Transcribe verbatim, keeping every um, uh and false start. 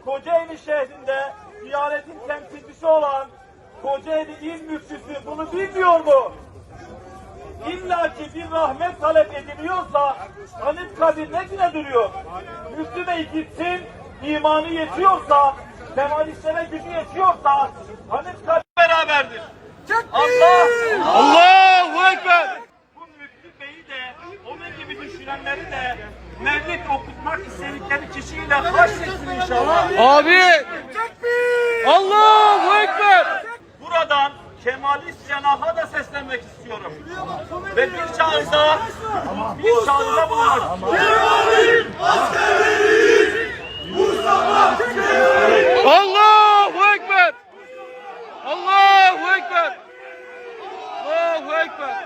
Kocaeli şehrinde Diyanet'in temsilcisi olan Kocaeli İl Müftüsü bunu bilmiyor mu? İlla ki bir rahmet talep ediliyorsa Anıtkabir ne güne duruyor? Müftü Bey gitsin, imanı yetiyorsa, Kemalistlere gücü yetiyorsa Anıtkabir beraberdir. Allah! Allahu Ekber! Bu Müftü Bey'i de, onun gibi düşünenleri de mevlid okutmak istedikleri kişiyle haşretsin inşallah. Abi! Allahu Ekber! Buradan Kemalist cenaha da seslenmek istiyorum. Ve bir çağrıda, bir çağrıda bulunmak istiyorum. Allahu Ekber! Allahu Ekber! Allahu Ekber!